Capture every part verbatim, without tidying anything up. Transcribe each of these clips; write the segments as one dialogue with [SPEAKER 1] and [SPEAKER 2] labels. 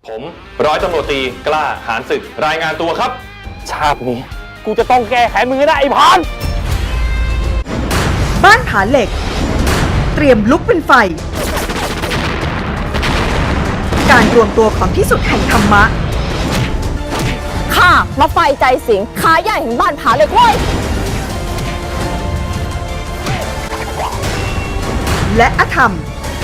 [SPEAKER 1] ผมร้อยตำรวจตรีกล้าหาญศึกรายงานตัวครับ
[SPEAKER 2] ชาตินี้กูจะต้องแก้แค้นมึงให้ได้ไอ้พาน
[SPEAKER 3] บ้านผาเหล็กเตรียมลุกเป็นไฟการรวมตัวของที่สุดแห่งธรรมะ
[SPEAKER 4] ข้ามาไฟใจสิงขาใหญ่แห่งบ้านผาเหล็กเว้ย
[SPEAKER 3] และอธรรม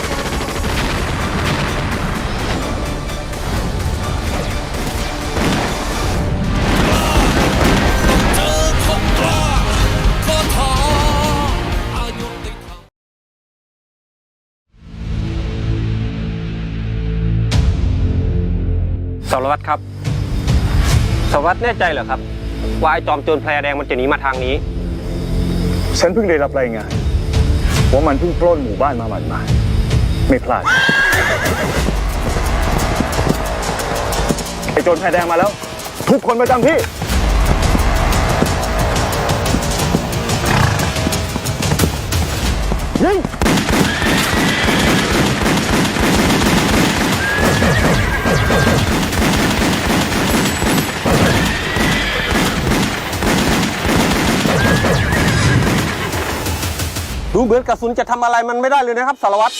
[SPEAKER 2] สารวัตรครับสารวัตรแน่ใจเหรอครับว่าไอ้จอมโจรแพรแดงมันจะหนีมาทางนี้
[SPEAKER 5] ฉันเพิ่งได้รับรายงานว่ามันเพิ่งปล้นหมู่บ้านมาหมาดๆไม่พลาดไอ้โจรแพรแดงมาแล้วทุกคนประจำที่ยิง
[SPEAKER 2] ดูเหมือนกระสุนจะทำอะไรมันไม่ได้เลยนะครับสารวัตร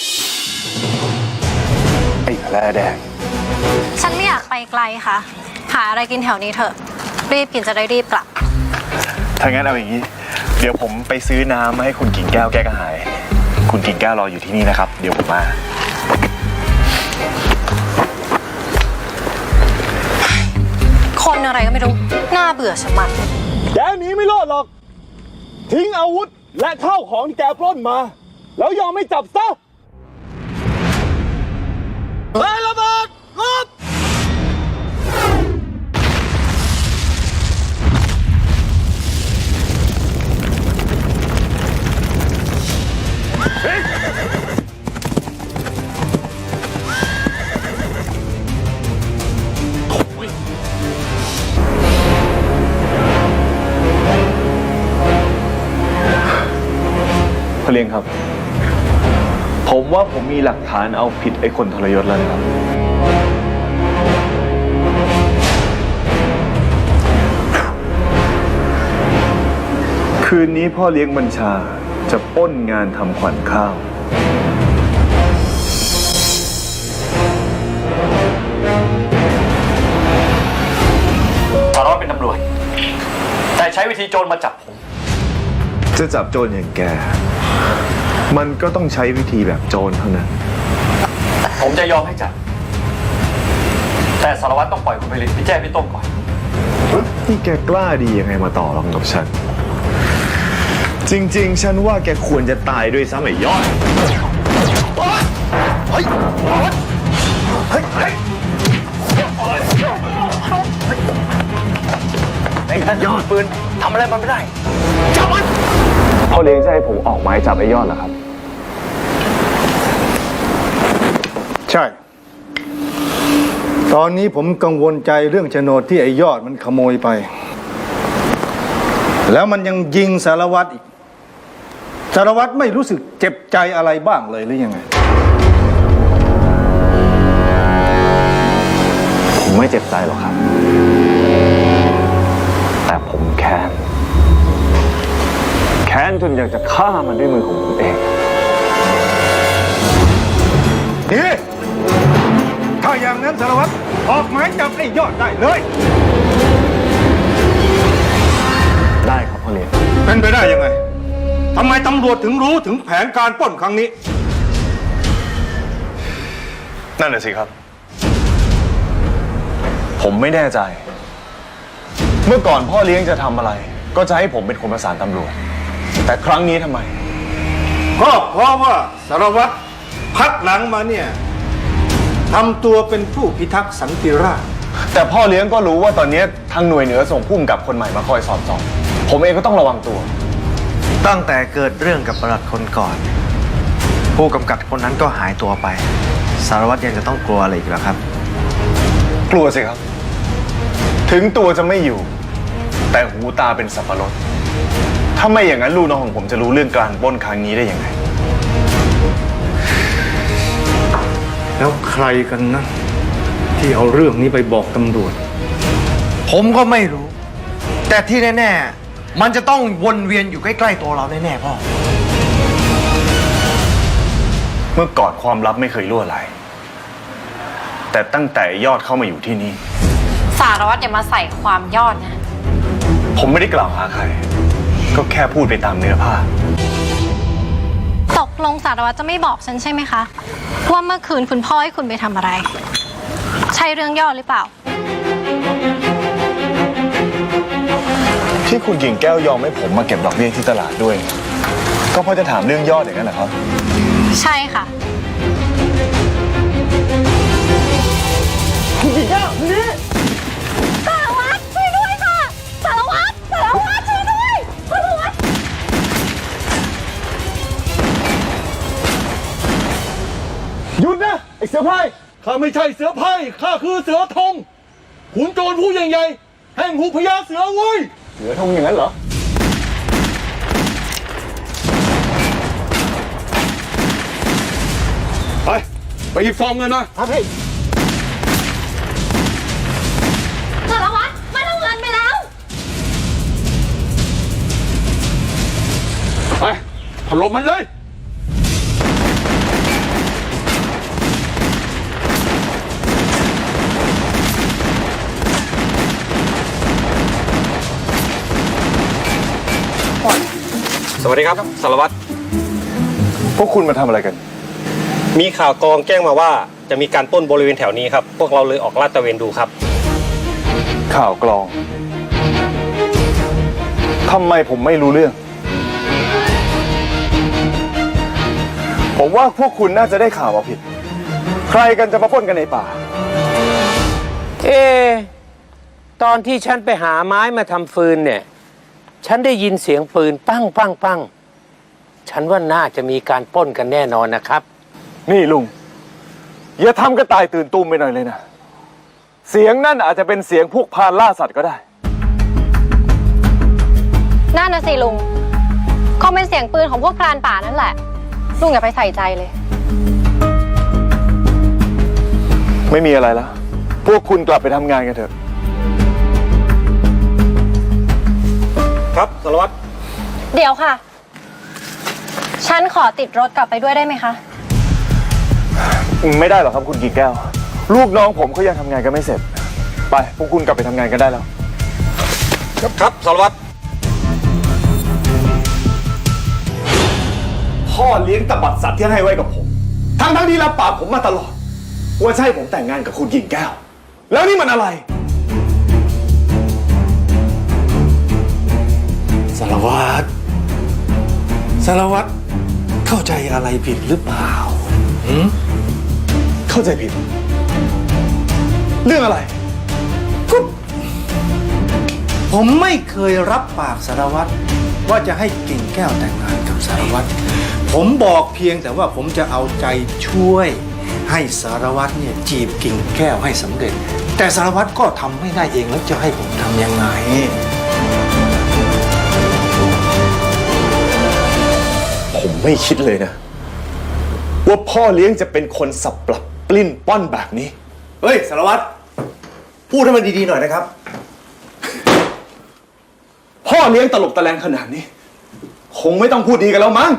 [SPEAKER 5] ไอ้แพรแดง
[SPEAKER 6] ฉันไม่อยากไปไกลค่ะหาอะไรกินแถวนี้เถอะรีบกินจะได้รีบกลับ
[SPEAKER 5] ถ้างั้นเอาอย่างนี้เดี๋ยวผมไปซื้อน้ำมาให้คุณกิ่งแก้วแก้กระหายคุณกิ่งแก้วรออยู่ที่นี่นะครับเดี๋ยวผมมา
[SPEAKER 6] คนอะไรก็ไม่รู้น่าเบื่อชะมัด
[SPEAKER 5] แกหนีไม่รอดหรอกทิ้งอาวุธและข้าวของที่แกปล้นมาแล้วยอมไม่จับซะไประเบิดลบพเลียงครับผมว่าผมมีหลักฐานเอาผิดไอ้คนทรยศแล้วนะครับคืนนี้พ่อเลี้ยงบัญชาจะปล้นงานทำขวัญข้าว
[SPEAKER 1] สารวัตรเป็นตำรวจแต่ใช้วิธีโจรมาจับผม
[SPEAKER 5] จะจับโจรอย่างแกมันก็ต้องใช้วิธีแบบโจรเท่านั้น
[SPEAKER 1] ผมจะยอมให้จับแต่สารวัตรต้องปล่อยคุณไปเลยพี่แจ้พี่ต้มก่อน
[SPEAKER 5] นี่แกกล้าดียังไงมาต่อรองกับฉันจริงๆฉันว่าแกควรจะตายด้วยซ้ำไอ้ยอดเฮ้ยเฮ้ยเฮ้ยไอ้ยอดปืนทำอะไรมันไม่ได้จับมันพ่อเลี้ยงจะให้ผมออกหมายจับไอ้ยอดเหรอครับ
[SPEAKER 7] ใช่ตอนนี้ผมกังวลใจเรื่องโฉนดที่ไอ้ยอดมันขโมยไปแล้วมันยังยิงสารวัตรอีกสารวัตรไม่รู้สึกเจ็บใจอะไรบ้างเลยหรือยังไง
[SPEAKER 5] ผมไม่เจ็บใจหรอกครับแต่ผมแค้นแค้นจนอยากจะฆ่ามันด้วยมือของผมเอง
[SPEAKER 7] นี่ถ้าอย่างนั้นสารวัตรออกหมายจับไอ้ยอดได้เลย
[SPEAKER 5] ได้ครับพ่อเลี้ยง
[SPEAKER 7] เป็นไปได้ยังไงทำไมตำรวจถึงรู้ถึงแผนการปล้นครั้งนี้
[SPEAKER 5] นั่นแหละสิครับผมไม่แน่ใจเมื่อก่อนพ่อเลี้ยงจะทำอะไรก็จะให้ผมเป็นคนประสานตำรวจแต่ครั้งนี้ทำไม
[SPEAKER 7] ก็เพราะว่าสารวัตรพักหลังมาเนี่ยทำตัวเป็นผู้พิทักษ์สันติราษฎร์
[SPEAKER 5] แต่พ่อเลี้ยงก็รู้ว่าตอนนี้ทางหน่วยเหนือส่งผู้กำกับคนใหม่มาคอยสอดส่องผมเองก็ต้องระวังตัว
[SPEAKER 8] ตั้งแต่เกิดเรื่องกับประหลัดคนก่อนผู้กำกับคนนั้นก็หายตัวไปสารวัตรยังจะต้องกลัวอะไรอีกเหรอครับ
[SPEAKER 5] กลัวสิครับถึงตัวจะไม่อยู่แต่หูตาเป็นสับปะรดถ้าไม่อย่างนั้นลูกน้องของผมจะรู้เรื่องการปล้นครั้งนี้ได้ยังไง
[SPEAKER 7] แล้วใครกันนะที่เอาเรื่องนี้ไปบอกตำรวจ
[SPEAKER 8] ผมก็ไม่รู้ แต่ที่แน่ๆ มันจะต้องวนเวียนอยู่ใกล้ๆตัวเราแน่ๆพ่อ
[SPEAKER 5] เมื่อก่อนความลับไม่เคยรั่วไหล แต่ตั้งแต่ยอดเข้ามาอยู่ที่นี่
[SPEAKER 6] สารวัตรอย่ามาใส่ความยอดนะ
[SPEAKER 5] ผมไม่ได้กล่าวหาใคร ก็แค่พูดไปตามเนื้อผ้า
[SPEAKER 6] ตกลงสารวัตรจะไม่บอกฉันใช่ไหมคะ ว่าเมื่อคืนคุณพ่อให้คุณไปทำอะไร ใช่เรื่องยอดหรือเปล่า
[SPEAKER 5] ที่คุณกิ่งแก้วยอมให้ผมมาเก็บดอกเบี้ยที่ตลาดด้วย ก็เพราะจะถามเรื่องยอดอย่างนั้นเหรอครับ
[SPEAKER 6] ใช่ค่ะ สารวัตรช่วยด้วยค่ะ สารวัตรสารวัตรช่วยด้วยสารวัตร
[SPEAKER 7] หยุดนะ ไอ้เสือไพร่ข้าไม่ใช่เสือไพร่ข้าคือเสือธงขุนโจรผู้ใหญ่ๆแห่งหูพญาเสือเว้ย
[SPEAKER 5] เหลือทงอย่างนั้นเหรอ
[SPEAKER 7] ไป ไปหยิบซองเงินมาครับพี่
[SPEAKER 6] สารวัตรมันเอาเงินไปแล้ว
[SPEAKER 7] ไปถล่มมันเลย
[SPEAKER 2] สวัสดีครับสารวัตร
[SPEAKER 5] พวกคุณมาทำอะไรกัน
[SPEAKER 2] มีข่าวกองแจ้งมาว่าจะมีการปล้นบริเวณแถวนี้ครับ พวกเราเลยออกลาดตระเวนดูครับ
[SPEAKER 5] ข่าวกลอง ทำไมผมไม่รู้เรื่อง ผมว่าพวกคุณน่าจะได้ข่าวมาผิด ใครกันจะมาปล้นกันในป่า
[SPEAKER 9] เอ ตอนที่ฉันไปหาไม้มาทำฟืนเนี่ย ฉันได้ยินเสียงปืนปั้งปั้งปั้งฉันว่าน่าจะมีการปล้นกันแน่นอนนะครับ
[SPEAKER 5] นี่ลุง อย่าทำกระต่ายตื่นตูมไปหน่อยเลยนะ เสียงนั่นอาจจะเป็นเสียงพวกพรานล่าสัตว์ก็ได้
[SPEAKER 6] นั่นนะสิลุงคงเป็นเสียงปืนของพวกพรานป่านั่นแหละ ลุงอย่าไปใส่ใจเลย
[SPEAKER 5] ไม่มีอะไรแล้ว พวกคุณกลับไปทำงานกันเถอะ
[SPEAKER 2] ครับสารวัตร
[SPEAKER 6] เดี๋ยวค่ะ ฉันขอติดรถกลับไปด้วยได้ไหมคะ
[SPEAKER 5] ไม่ได้หรอกครับคุณกิ่งแก้ว ลูกน้องผมเขายังทำงานกันไม่เสร็จ ไป พวกคุณกลับไปทำงานกันได้แล้ว
[SPEAKER 2] ครับครับสารวัตร
[SPEAKER 5] พ่อเลี้ยงตบัดสัตว์ที่ให้ไว้กับผม ทั้งทั้งที่รับปากผมมาตลอด ว่าจะให้ผมแต่งงานกับคุณกิ่งแก้ว แล้วนี่มันอะไร
[SPEAKER 7] สารวัตร สารวัตรเข้าใจอะไรผิดหรือเปล่าหืม
[SPEAKER 5] เข้าใจผิด เรื่องอะไร
[SPEAKER 7] ก็ผมไม่เคยรับปากสารวัตรว่าจะให้กิ่งแก้วแต่งงานกับสารวัตร ผมบอกเพียงแต่ว่าผมจะเอาใจช่วย ให้สารวัตรเนี่ยจีบกิ่งแก้วให้สำเร็จ แต่สารวัตรก็ทำไม่ได้เองแล้วจะให้ผมทำยังไง
[SPEAKER 5] ผมไม่คิดเลยนะ ว่าพ่อเลี้ยงจะเป็นคนสับปรับปลิ้นป้อนแบบนี้
[SPEAKER 8] เฮ้ย สารวัตร พูดให้มันดีๆหน่อยนะครับ
[SPEAKER 5] พ่อเลี้ยงตลกตะแลงขนาดนี้ คงไม่ต้องพูดดีกันแล้วมั้ง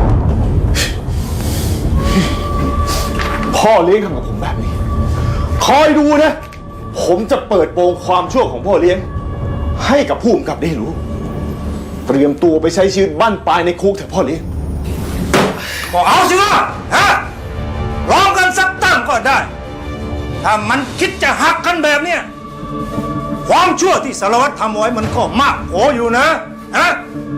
[SPEAKER 5] พ่อเลี้ยงทำกับผมแบบนี้ คอยดูนะ ผมจะเปิดโปงความชั่วของพ่อเลี้ยง ให้กับผู้กำกับได้รู้ เตรียมตัวไปใช้ชีวิตบ้านปลายในคุกเถอะพ่อเลี้ยง
[SPEAKER 7] ก็เอาสิวะฮะร้องกันสักตั้งก็ได้ ถ้ามันคิดจะหักกันแบบเนี้ยความชั่วที่สารวัตรทำไว้มันก็มากโขอยู่นะฮะ